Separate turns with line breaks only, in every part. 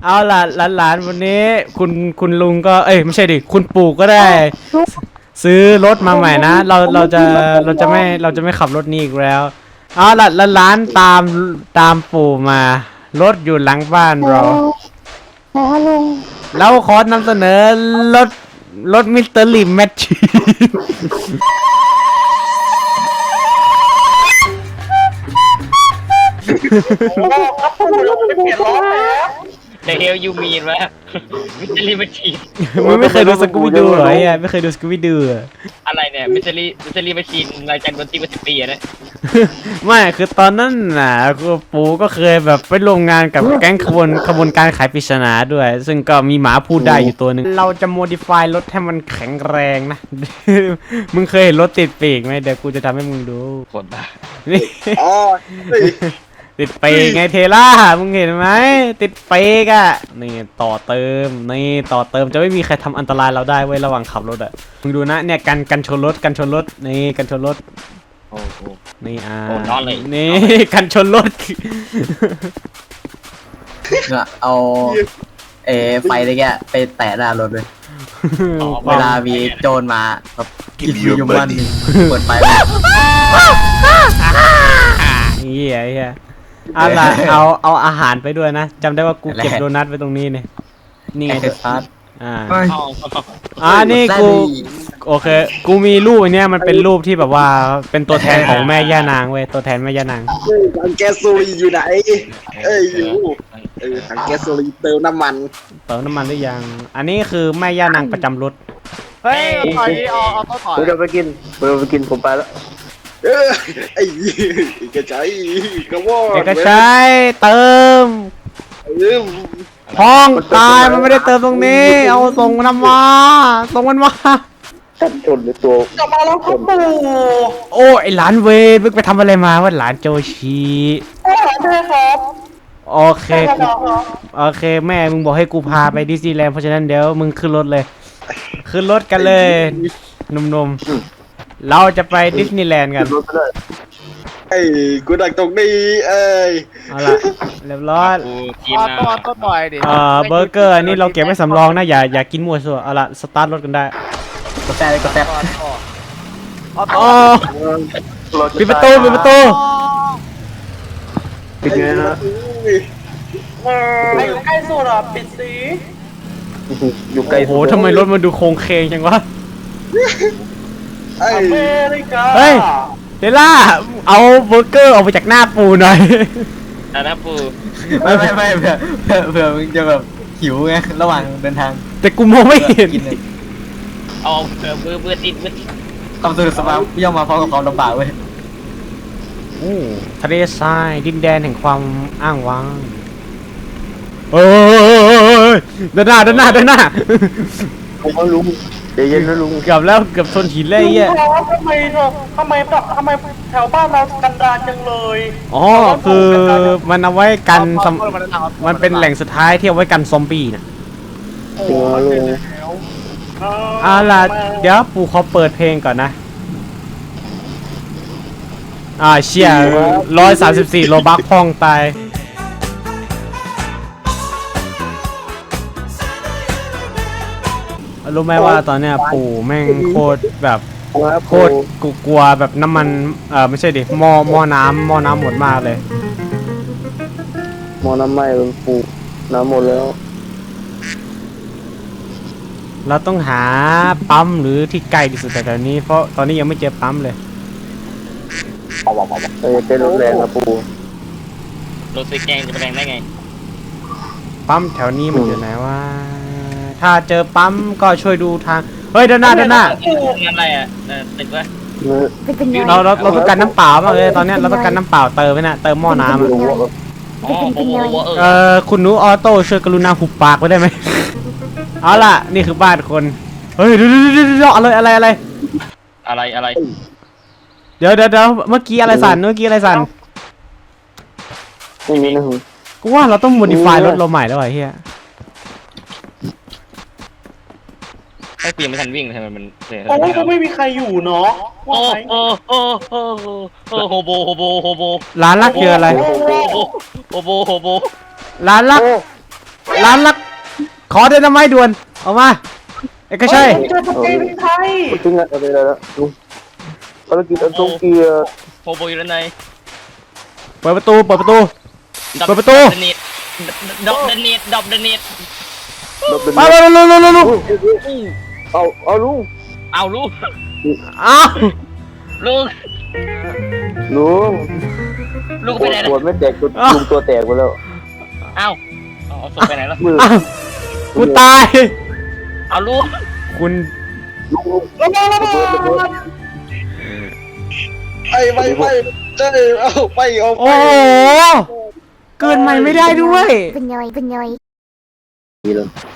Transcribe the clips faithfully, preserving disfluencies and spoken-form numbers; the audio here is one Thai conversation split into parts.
เอาล่ะหลานๆวันนี้คุณคุณลุงก็เอ้ยไม่ใช่ดิคุณปู่ก็ได้ ซื้อรถมาใหม่นะเราเราจะเราจะไม่เราจะไม่ขับรถนี้อีกแล้วเอาล่ะหลานๆตามตามปู่มารถอยู่หลังบ้านเรา
ไหนฮะลุง
เราขอนำเสนอรถรถมิสเตอร์ลิมแมชชีน
โอ้ครับผมเราไปเปลี่ยนล้อแล้ว
เดเฮลยูมีนวะมิสซิลี่มาชีน
มึงไม่เคยดูสกูบี้ดูเหรอไอ้เหี้ยไม่เคยดูสกูบี้ดูเหรอ
อะไรเนี่ยมิสซิลี่มิสซิลี่มาชีนรายการดนตรีมาสิบปีอะนะ
ไม่คือตอนนั้นน่ะคือปู่ก็เคยแบบไปร่วมงานกับแก๊งขบวนขบวนการขายปริศนาด้วย ซึ่งก็มีหมาพูดได้อยู่ตัวหนึ่งเราจะโมดิฟายรถให้มันแข็งแรงนะ มึงเคยเห็นรถติดปีกไหมเดี๋ยวกูจะทำให้มึงดู
คนบ้า
นี่
อ๋อ
ติดปีกไงเทล่ามึงเห็นไหมติดปีกอะนี่ต่อเติมนี่ต่อเติมจะไม่มีใครทำอันตรายเราได้เว้ยระหว่างขับรถอะมึงดูนะเนี่ยกันกันชนรถกันชนรถนี่กันชนรถ
โอ้โห
นี่อ่า
โอ้นอนเลย
นี่ กันชนรถ
เนี่ยเอาเออไฟอะไรแกไปแตะหน้ารถเลย เวลามีโจรมาแบบกินยูมันเปิดไฟเลย
เฮียเฮียเอาล่ะเอาเอาอาหารไปด้วยนะจำได้ว่ากูเก็บโดนัทไว้ตรงนี้เนี่ยนี่ไง
ไอ้ซัด
อ่า
เอา
อ่านี่กูโอเคกูมีรูปอันเนี้ยมันเป็นรูปที่แบบว่าเป็นตัวแทนของแม่ย่านางเว้ยตัวแทนแม่ย่านาง
ถังแก๊สโซลีอยู่ไหนเอ้ยอยู่เออถังแก๊สโซลีเติมน้ำมัน
เติมน้ำมันหรือยังอันนี้คือแม่ย่านางประจำรถ
เฮ้ยถอยเอาเอาต้นถอย
ผมจะไปกินผมจะไปกินผมไปแล้ว
เออไอ้ไอ้กระจายกระวอก
เอกชัยเติม
เออ
พ้องตายมันไม่ได้เติมตรงนี้ เอาส่งมันมาส่งมันมา
กันชนหรือตัว
กลับมาแล้วครับปู่
โอ้ไอหลานเวรมึงไปทำอะไรมาว่าหลานโจชี
โอ้ใช่ครับ
โอเคกูโอเคแม่มึงบอกให้กูพาไปดิสนีย์แลนด์เพราะฉะนั้นเดี๋ยวมึงขึ้นรถเลย ขึ้นรถกันเลยหนุ่มๆเราจะไปดิสนีย์แลนด์กัน
รถไปเลย
ไอ้กูดักตรงนี้เอ้ย
เอาล่ะเรียบร้อย
กูกิน
เอา
นะ
ต้นต้นหน่อยดิ
เอ่อเบอร์เกอร์อันนี้เราเก็บไว้สำรองนะอย่าอย่ากินมั่วซั่วเอาล่ะสตาร์ทรถกันได้
กดแตะเลยกดแตะ
อ๋อ
รถ
ปิดประตูปิดประตู
ปิดไงนะ
ไอ้ใกล้สุดอ่ะปิดสี
อยู่ใกล้
โอ้โหทำไมรถมันดูโครงเคงจังวะ
ไอ้อเมริกา
เฮ้ย เดล่าเอาเบอร์เกอร์ออกไปจากหน้าปูหน่อย
นะนะปู
ไม่ไม่ไม่เผื่อเผื่อเผื่อมึงจะแบบหิวไงระหว่างเดินทาง
แต่กูมองไม่เห็น
กินเลย
เอาเออเบื่อเบื่อติดเบื่อติด
ความสนุกสนานย่อมมาพร้อมกับความลำบากเว้ย
โอ้ทะเลทรายดินแดนแห่งความอ้างว้างเอ้ยเดินหน้าเดินหน้าเดินหน้า
ผมก็ลุงใจเย็นนะลุง
เกือบแล้วเกือบชนหินเลยไอ้เหี้ย
ทำไมเธอทำไมทำไมแถวบ้านเรากันดารจังเลย
อ๋อคือมันเอาไว้กันสำมันเป็นแหล่งสุดท้ายที่เอาไว้กันซอมบี้นะ
ถึงแล้วลุง
เอาล่ะเดี๋ยวปู่ขอเปิดเพลงก่อนนะอ่าเชี่ยร้อยสามสิบสี่โลบักพองตายรู้ไหมว่าตอนเนี้ยปู่แม่งโคตรแบบ
ครับ
โคตรกูกลัวแบบน้ำมันเออไม่ใช่ดิหม้อหม้อน้ำหม้อน้ำหมดมากเลย
มอน้ำไหม้ลุงปูน้ำหมดแล้ว
เราต้องหาปั๊มหรือที่ไกลที่สุดแถวๆนี้เพราะตอนนี้ยังไม่เจอปั๊มเลย
เออเป็นรถแรงนะปู
รถสีแกงจะไปแรงได้ไง
ปั๊มแถวนี้มันอยู่ไหนวะถ้าเจอปั๊มก็ช่วยดูทางเฮ้ยเดินหน้าเดินหน้า
อะไรอ่ะเออติดวะ
เนื้อ
เป็นเป็นไง
เราเราเราต้องการน้ำเปล่ามากเลยตอนเนี้ยเราต้องการน้ำเปล่าเติมไว้น่ะเติมหม้อน้ำอะ
ลุงว่า
อ๋อโอ้โหเอ
เอ
อ
อคุณหนูออโต้ช่วยกรุณาหุบปากไว้ได้ไหม เอาล่ะนี่คือบ้านคนเฮ้ยเดี๋ยวเดี๋ยวเดี๋ยวเดี๋ยวอะไรอะไรอะไร
อะไรอะไร
เดี๋ยวเดี๋ยวเดี๋ยวเมื่อกี้อะไรสั่นเมื่อกี้อะไรสั่น
ไม่มีนะลุง
กูว่าเราต้องโมดิฟายรถเราใหม่แล้วไอ้เหี้ย
ไอ้กูยังไม่ทันวิ่งเลยทำไมมันเสีย
โอ้ยก็ไม่มีใครอยู่เนาะ
โอ้โอ้โอ้โอ้โอ้โฮโบโฮโบโฮโบ
ร้านลักคืออะไร
โฮโบโฮโบโฮโบ
ร้านลัก
โอ้
ร้านลักขอเดนไม้ด่วนเอามาเอกชัย
เจอสเปรย์เป็นไทย
ถึงอะไรแล้วลุงภารกิจอันทรงเกียรติ
โฮโบอยู่ด้านใน
เปิดประตูเปิดประตู เปิดประตู
เดนเนตดอกเดนเนตดอกเดนเนต
เราเป็น
มาเร็วเร็วเร็วเร็วเร็ว
เอาเอาลุง
เอาลูก
อ้าว
ลูก
ลุง
ลูกไปไหน
ปว
นะ
ดไม่แตกจนลุงตัวแตกไปแล้ว
เอาเอาศพไปไหนแล้ว
มือ
อ้าวกูตาย
เอาลูก
คุณ
ลุงลุงระเบิดระเบิดระเบิด
ไปไปไปเจ้เอาไปเอาไป
โอ้โหเกินใหม่ไม่ได้ด้วย
เป็นย่อยเป็นย่อย
นี่เลย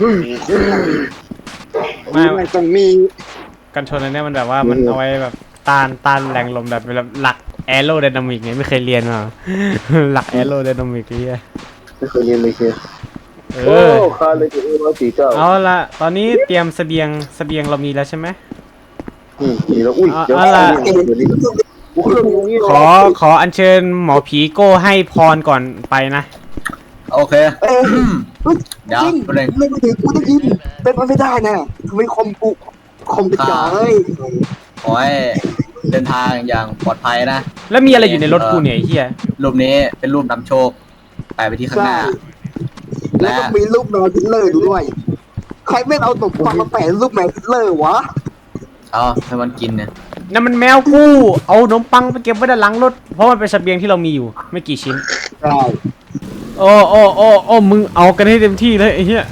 ไม่
มันต้องมี
กันชนอันเนี้ยมันแบบว่ามันเอาไว้แบบต้านต้านแรงลมแบบแบบหลักแอโรไดนามิกไงไม่เคยเรียนมา หลักแอโรไดนามิกไอ้เหี้ย
ไม่เคยเรียนเลยเชียว
เอ
โอ้
อ
คาเลยจะเอร้อยสี่เก้า
เอาละตอนนี้เตรียมเสบียงเสบียงเรามีแล้วใช่ไหม
อืมนี่แล้วอุ้ยเดี๋ยว
เอาล่ะ
เดี๋ยวนี้โอ้เครื่องนี้
ขอขออัญเชิญหมอผีโก้ให้พรก่อนไปนะ
โอเคเดี๋ยวไปเลย
ไม่ได้กูได้ยินเป็นไปไม่ได้นะทำไมคอมกูคอมกระจาย
ขอให้เดินทางอย่างปลอดภัยนะ
แล้วมีอะไรอยู่ในรถกูเนี่ยไอ้เหี้ย
รูปนี้เป็นรูปนำโชคไปไปที่ข้างหน้า
แล้วก็มีรูปแมวทิลเลอร์ด้วย ใครไม่เอาตบฟังมาแปะรูปแมวทิลเลอร์วะ
เอาให้มันกินเนี่ย
นั่นมันแมวกูเอาขนมปังไปเก็บไว้ด้านหลังรถเพราะมันเป็นเสบียงที่เรามีอยู่ไม่กี่ชิ้น
ใช่
โอ้โอ้โอ้โอ้มึงเอากันให้เต็มที่เลยไอ้เหี้ย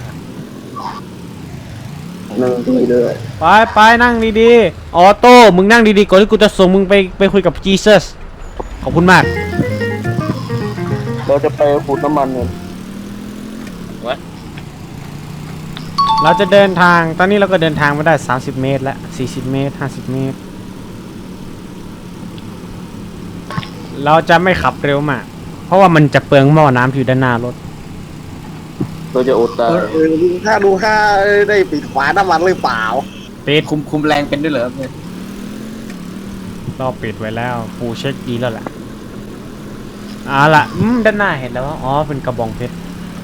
นั่งที่เลย
ไปไปนั่งดีๆออโต้มึงนั่งดีๆก่อนที่กูจะส่งมึงไปไปคุยกับจีซัสขอบคุณมาก
เราจะไปขูดน้ำมันเนี่ย
เราจะเดินทางตอนนี้เราก็เดินทางมาได้สามสิบเมตรแล้วสี่สิบเมตรห้าสิบเมตร เราจะไม่ขับเร็วมากเพราะว่ามันจะเปลืองหม้อน้ำที่อยู่ด้านหน้ารถ
เราจะอดตาย
เออดูห้าดูห้าได้ปิดฝาน้ำมันหรือเปล่า
ปิด
คุมคุมแรงเป็นด้วยเหรอเนี่ย
เราปิดไว้แล้วฟูเช็คดีแล้วแหละเอาล่ะอืมด้านหน้าเห็นแล้วว่าอ๋อเป็นกระบองเพชร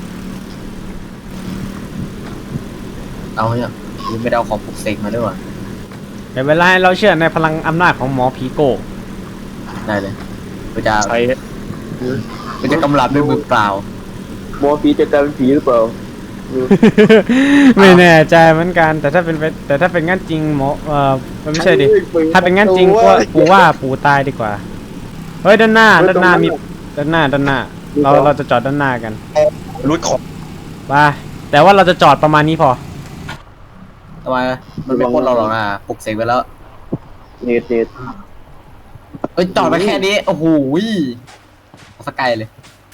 เอาเนี่ยยังไม่ได้เอาของปลุกเสกมาด้วยวะ
เดี๋ยวเวลาเราเชื่อในพลังอำนาจของหมอผีโก้
ได้เลยกูจะกูจะกำลับด้วยมือเปล่า
หมอผีจะกลายเป็นผีหรือเปล่า
ไม่แน่ใจเหมือนกันแต่ถ้าเป็นไปแต่ถ้าเป็นงั้นจริงหมอเออมันไม่ใช่ดิถ้าเป็นงั้นจริงก็ปูว่าปูตายดีกว่าเฮ้ยด้านหน้าด้านหน้ามีด้านหน้าด้านหน้า เราเราจะจอดด้านหน้ากัน
รุดของ
ไปแต่ว่าเราจะจอดประมาณนี้พอ
ทำไมมันไม่พ้นเราหรอกนะปลุกเสกไปแล้ว
เน็ตเน็ต
เอ้ยจอดไปแค่นี้โอ้โหสกายเลย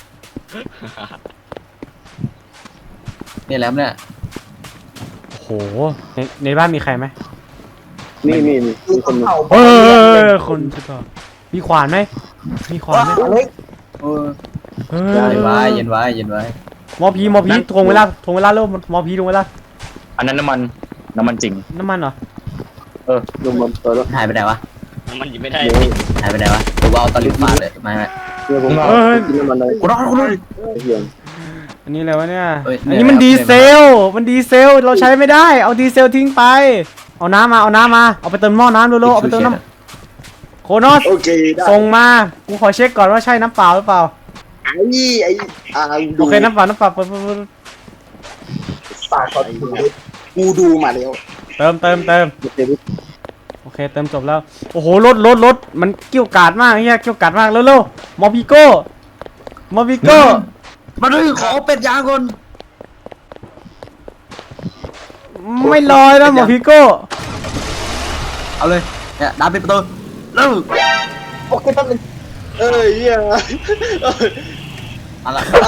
นี่แล้วเนี่ย
โหในในบ้านมีใครไหม
นี่นี่นี่มีคนหนึ่ง
เออคนใช่ป่ะมีขวานไหมมีขวานไหม
เออ
เออ
เย็นไว้เย็นไว้เย็นไว้
หมอผีหมอผีทวงเวลาทวงเวลาเร็วหมอผีทวงเวลา
อันนั้นน้ำมันน้ำมันจริง
น้ำมันเหรอ
ลงมาเปิดแล้ว
หายไปไหนวะ
มันยิงไม่ได้
นี่
หายไปไหนวะหรือว่าเอาตอนลิ้นฟ้าเลยไม่ไม่
เนี่ยผมกินน้ำมันเลย
กูรอดกูรอด
เฮีย
อันนี้อะไรวะเนี่ย
เอ้ย
อันนี้มันดีเซล มันดีเซล เราใช้ไม่ได้ เอาดีเซลทิ้งไป เอาน้ำมา เอาน้ำมา เอาไปเติมหม้อน้ำเร็วๆเอาไปเติมน้ำโคโนส
โอเคได้
ส่งมา กูขอเช็คก่อนว่าใช่น้ำเปล่าหรือเปล่า
ไอ้ไอ้อ่า
โอเคน้ำเปล่าน้ำเปล่าเปิดเปิดเปิด
ปากก่อนกูดูมาแล้ว
เติมเติมเติม
เดี๋ยว
โอเคเติมจบแล้ว โอ้โหรถรถรถมันเกี่ยวกาดมากเฮียเกี่ยวกาดมากเร็วๆมอพิโก้มอพิโก้
มาดูขอเป็ดยางก่อน
ไม่ลอยแล้วมอพิโก้
เอาเลยเนี่ยดันปิดประตูเร็ว
โอเคแป๊บนึงเอ้ยเฮีย
เอาละ
เอา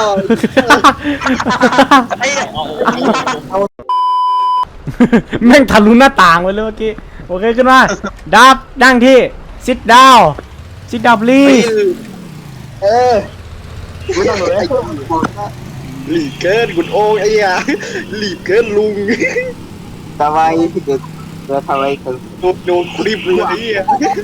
แม่งทะลุหน้าต่างไปเลยเมื่อกี้โอเคขึ้นมาดับนั่งที่ sit down sit down please
เออไม่ต้องเลยหลีกเกินคุณโอ้ไอ้ยาหลีกเกินลุง
ทำไมพี่เกิดเราทำไมถึง
โดนโดนคลิปเลยไอ้ยา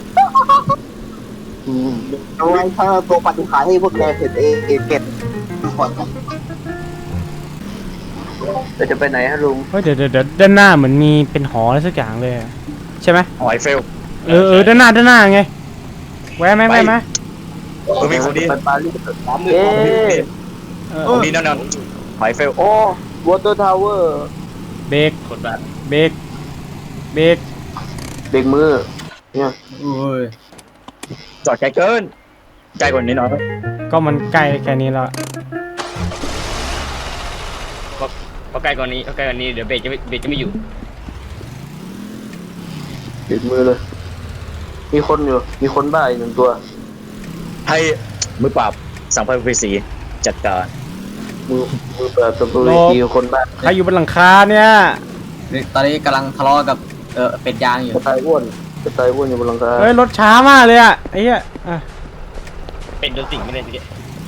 ทำไมถ้าตัวปฏิหารให้พวกแกเสร็จเองเก็บ
เราจะไปไหนฮะลุง
เฮ้ยเดี๋ยวเดี๋ยวเดี๋ยวด้านหน้าเหมือนมีเป็นหออะไรสักอย่างเลยอะใช่ไหม
หอยเฟล
เออเออด้านหน้าด้านหน้าไงแวะไหมแวะไหม
เออมีคนดี
ไปปารีส
เอ๊
เอ๊ะ
เออ
คนดีแน่นอนหอยเฟล
โอ้วอเตอร์ทาวเวอร์
เบรก
คนแบบ
เบรกเบรก
เบรกมือเนี่ย
โอ้ย
จอดไกลเกินไกลกว่านี้หน่อย
ก็มันใกล้แค่นี้แล้ว
พอใกล้กว่านี้พอใกล้กว่านี้เดี๋ยวเบรกจะไม่เบรกจะไม่อยู่
เบรกมือเลย มีคนอยู่ มีคนบ้าอีกหนึ่งตัว
ให้มือปราบสังพเวสีจัดการ
มือมือเปิดตัวเวทีคนบ้า
ใครอยู่บนหลังคาเนี่ย
นี่ตอนนี้กำลังทะเลาะกับเออเป็ดยางอยู่
กระต่ายอ้วนกระต่ายอ้วนอยู่บนหลังคา
เฮ้ยรถช้ามากเลยอะไอ้เหี้ยอ่ะ
เป็นโดนสิ่งไม่ได้ทีเดียว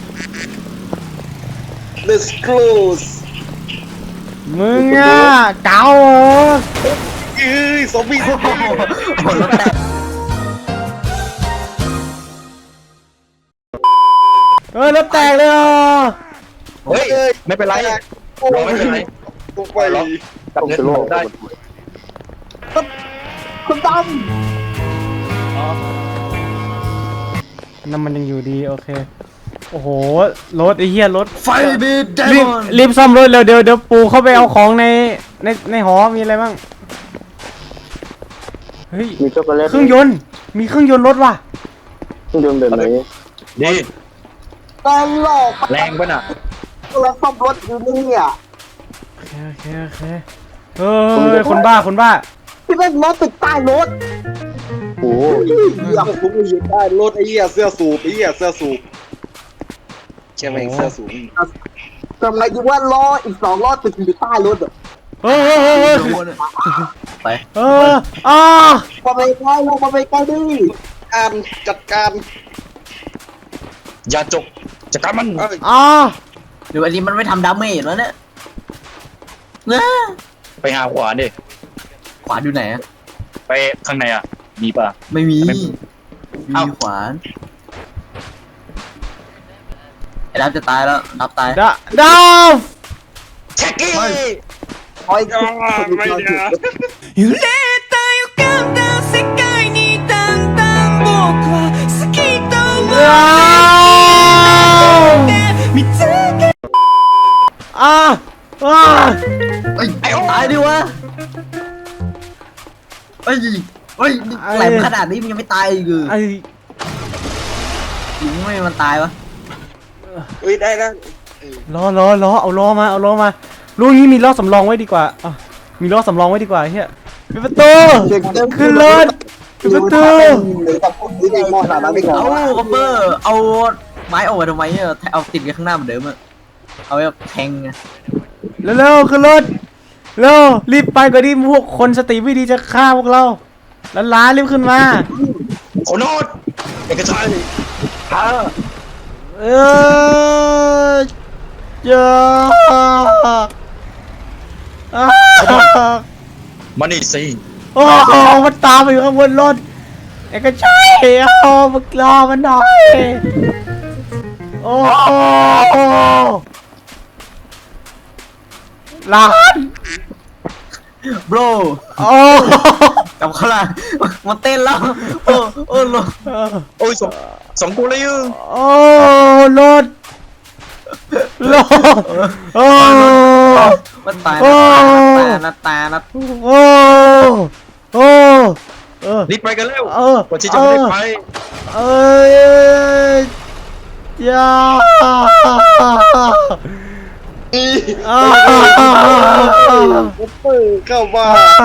Let's close
มึงอะเก๋าเหรอ
เอ้ยซอมบี้ซอมบี้
โอ้รถแตก
เฮ้ยรถแตกเลยเหรอ
เฮ้ยไม่เป็นไรรอไม่เป็นไร
ตกไป
รอกับ
ต้อง
เน็ต
จะโลก
ได้
คุณตั้ม
น้ำมันยังอยู่ดีโอเคโอ้โหรถไอ้เหี้ยรถ
ไฟบีดเด
รีบ
มอน
รีบซ่อมรถเร็วเดี๋ยวเดี๋ยวปูเข้าไปเอาของในในในหอมีอะไรบ้างเฮ้ย
มีช็อกโกแลต
เครื่องยนต์มีเครื่องยนต์รถว่ะ
เครื่องยนต์แบบไหน
ดี
ตลก
แรงป่ะน่ะ
เราซ่อมรถอยู่เนี่ย
โอเคโอเคโอเคเฮ้ยคนบ้าคนบ้า
พี่เป็นรถติดใต้รถ
โอ้โห
เหี้ยผมไม่ยืนได้รถไอ้เหี้ยเสื้อสูบไอ้เหี้ยเสื้อสูบใช่ไหมเสื้อสูบ
ทำไมดีว่าล้ออีกสองล้อติดอยู่ใต้รถอ่ะ
เฮ้ยเฮ้ยเฮ้ยเฮ้ย
ไป
เอออ่า
มาไปใกล้ลงมาไปใกล้ดิ
การจัดการ
อย่าจกจัดการมัน
เอ้ย
อ่า
หรืออันนี้มันไม่ทำดาเมจวะเนี่ยนะ
ไปหาขวาดิ
ขวานอยู่ไหนอะ
ไปข้างในอ่ะมีป่ะ
ไม่มี
ไม่
มีขวานไอ้ดับจะตายแล้วดับตาย
ดาดาว
แท็กกี้
คอยจุด
ไม่นะ
揺れた予感だ世界にだんだん僕は好きと思
ว้าว
って見つけ
อ่าอ่า
เอ้ยตายดิวะเอ้ยเอ้ยแหลมขนาดนี้มันยังไม่ตายอีกเหรอ
ไอ้
ยิงไม่ให้มันตายวะ
เฮ้ยได้แล้ว
ล้อล้อล้อเอาล้อมาเอาล้อมาลูกนี้มีล้อสำรองไว้ดีกว่าอ่ะมีล้อสำรองไว้ดีกว่าเฮียปิดประตูขึ้นรถปิดประตู
หรือกับพวกนี้ในมอสามารถไม่
เอา
เอา
คอปเปอร์เอาไม้ออกมาทำไมเนี่ยเอาติดกันข้างหน้าเหมือนเดิมอะเอาไว้แบบแทงไง
เร็วๆขึ้นรถเร็วรีบไปก่อนที่พวกคนสติไม่ดีจะฆ่าพวกเราแล้วล้ารีบขึ้นมา
โอโนดเอกชัยฮะ
เออเจ้าอ่า
มานี่สิ
โอ้โหมันตามไปอยู่ข้างบนรถไอ้ก็ใช่เอามึงรอมันหน่อยโอ้โหหลาน
โบร
โอ้
กับข้างล่างมาเต้นแล้วโอ้โอ้โล
โอ้ยสองสองตัวเลยอ่ะ
โอ้รถรถโอ้
มันตาย
โอ้
นะตานะ
โอ้โอ้เออ
รีบไปกันเร็ว
เออ
ก่อนที่จะไม่ได้ไป
เอ้ยยาอ่า
เข้ามา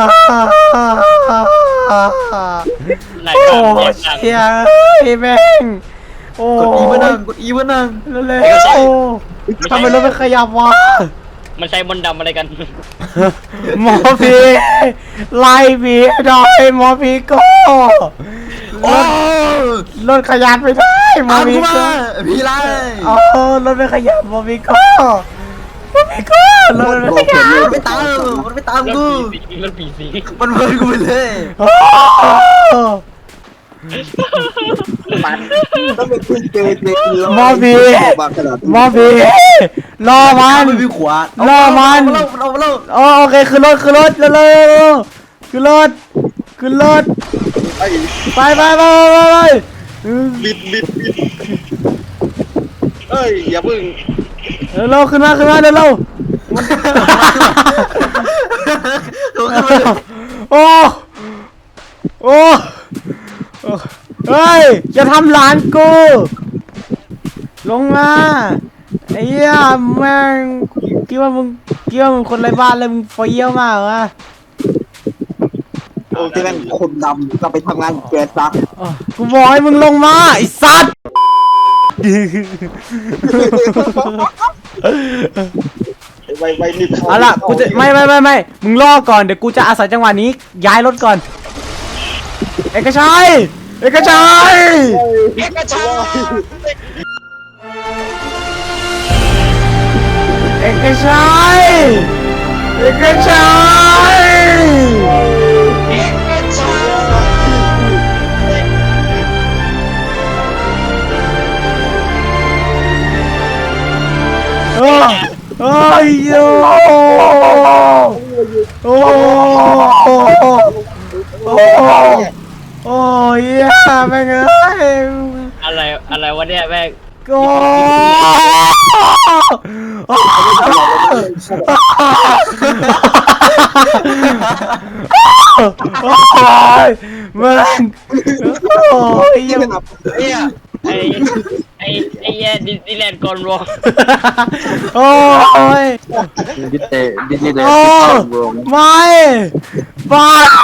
นาย
โอ้
ก็เจ็บหนัก
เชียไอ้แม่งโอ้
กดอีมานั่งกดอีมานั่ง
เร็วๆโอ้ทำไมรถไม่ขยับวะ
มันใช้มนต์ดำอะไรกัน
หมอพีไล่ผีหน่อยหมอพีก็รถรถขยับไม่ได้หมอ
ตาม
พี
กู
ก็
มาพี่ไล่
อ๋อรถไม่ขยับหมอพีก็หมอพีก็รถไม่ขยับ
มันไม่ตามมันไม่ตาม
รถ
กู
ผีสิงรถผีสิง
มันเบิร์นกูไปเลย
โอ้
ปัน
ต้องเป็นคุณเจเจ
มอบี
บางขนาด
มอบีรอมัน
ไม่มีขวาน
ล่อมัน
เราเราเรา
โอโอเคขึ้นรถขึ้นรถเร็วๆขึ้นรถขึ้นรถ
ไอ้
ไปไปไปไปไป
บิดบิดบิดเอ้ยอย่าเพิ่ง
เร็วๆขึ้นมาขึ้นมาเร็วๆโอ้โอ้เฮ้ยจะทำหลานกูลงมาไอ้เหี้ยแม่งคิดว่ามึงคิดว่ามึงคนไร้บ้านเลยมึงเฟี้ยวมากเหรอ
โอ้ที่นั่นคนดำก็ไปทำงานแกซัก
อ๋อกูบอกให้มึงลงมาไอ้สัตว์
ไปไปรีบเข้า
เอาล่ะกูจะไม่ไม่ไม่ไม่มึงรอก่อนเดี๋ยวกูจะอาศัยจังหวะนี้ย้ายรถก่อนเอกชัยเอกชัย
เอกชัย
เอกชัยเอกชัยโอ้โอ้ยโอ้โอ้โอ้โอ้ยแม่งเอ้ย
อะไรอะไรวะเนี่ยแม่ง
โอ้ยมึงโอ้ยยัง
เนี่ยไอ้ไอ้ไอ้แย่ดิสนีย์แลนด์กอนวอล์
โอ้ย
ดิเตดิเต
โอ้ไม่บ้า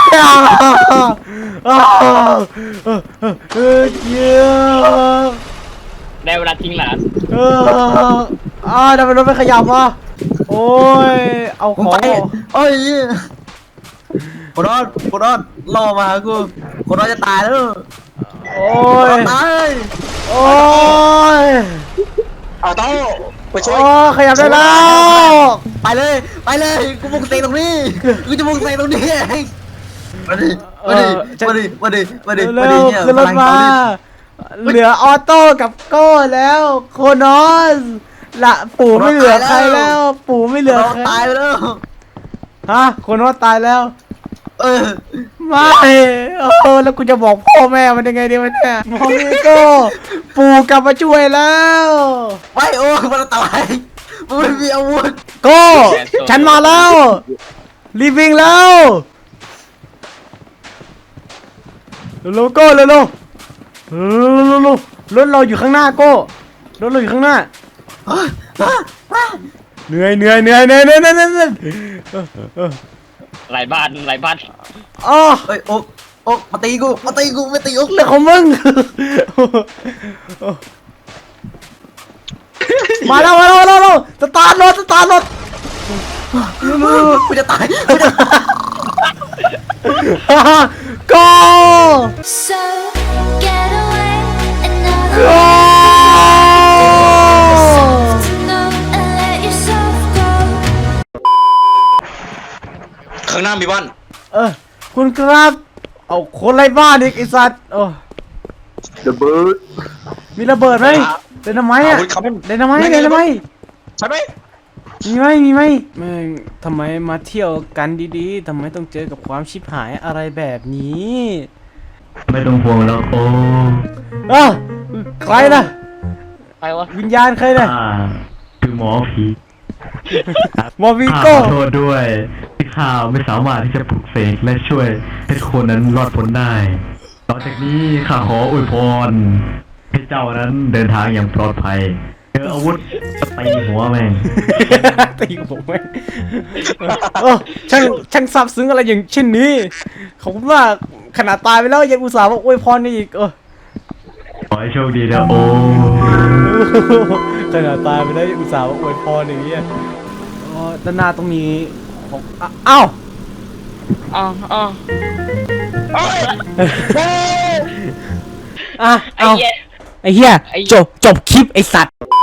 โอ้เออเออเยอะ
ได้เวลาทิ้งหลาน
เอออ่าทำไมรถไม่ขยับวะโอ้ยเอาของ
ไปโอ้ยคนรอดคนรอดล่อมากูคนรอดจะตายแล้ว
โอ้ย
ตาย
โอ้ย
เอาโต้ไปช่วย
โอ้ขยับได้แล้ว
ไปเลยไปเลยกูบุกเตะตรงนี้กูจะบุกเตะตรงนี้เองมาดิมาดิมาดิมาดิมาดิมา
เร็
ดิ
ว
เนี่ย
ขึ้นรถมา เหลือออโต้กับโก้แล้วโคนอสละปู่ไม่เหลือใครแล้ว ปู่ไม่เหลือ
เรา
ใคร
ตายไปแล้ว
ฮะโคนอสตายแล้ว
เออ
ไม่โอ้แล้วกูจะบอกพ่อแม่มันยังไงดีวะเนี่ยมองนี่โก้ปู่กลับมาช่วยแล้ว
ไม่โอ้มันตายมันไม่มีอาวุธ
โก้ฉันมาแล้วรีบวิ่งแล้วเร็วๆโก้เร็วๆเร็วๆรถเราอยู่ข้างหน้าโก้รถเราอยู่ข้างหน้าเหนื่อยเหนื่อยเหนื่อยเหนื่อยเหนื่อยเหนื่อยเหนื่อยเออ
หลายบ้านหลายบ้าน
อ๋อ
เอ้ยโอ๊กโอ๊กมาตีกูมาตีกูไม่ตีโอ๊ก
เรื่องของมึงมาแล้วมาแล้วมาแล้วมาแล้วสตาร์ทรถสตาร์ทรถ
กูจะตายกูจะตาย
โก้
So get away another
โก้
to know and let yourself go.
ข้างหน้ามีบ้าน
เออคุณครับเอาคนไร้บ้านอีกไอสัตว์โอ้
ระเบิด
มีระเบิดไหมเดนไมต์อะ
อาวุธเขาเป็น
เดนไมต์เดนไมต์
ใช่ไหม
มีไหมมีไหมแม่งทำไมมาเที่ยวกันดีๆทำไมต้องเจอกับความชิบหายอะไรแบบนี้
ไม่ต้องห่วงแล้วโอ้
เออใครนะ
ใครวะ
วิญญาณใครนะ
อ่าคือหมอผี
มอวิ
ข้า
โก้
ขอโทษด้วยที่ข้าไม่สามารถที่จะปลุกเสกและช่วยให้คนนั้นรอดพ้นได้ต่อจากนี้ข้าขออวยพรให้เจ้านั้นเดินทางอย่างปลอดภัยเจออาวุธจะตีหัวแม่ง
ตีผมไหมเออช่างช่างซาบซึ้งอะไรอย่างเช่นนี้ขอบคุณมากขนาดตายไปแล้วยังอุตส่าห์มาอวยพรนี่อีกเออ
ขอให้โชคดีนะโอ้
ขนาดตายไปแล้วยังอุตส่าห์มาอวยพรอย่างเงี้ยอ๋อด้านหน้าตรงนี้ของอ่ะอ้าว
อ๋ออ๋อ
อ่ะ
ไอ้
เอา
แย่
ไอ้เหี้ย
ไอ้
จบจบคลิปไอ้สัตว์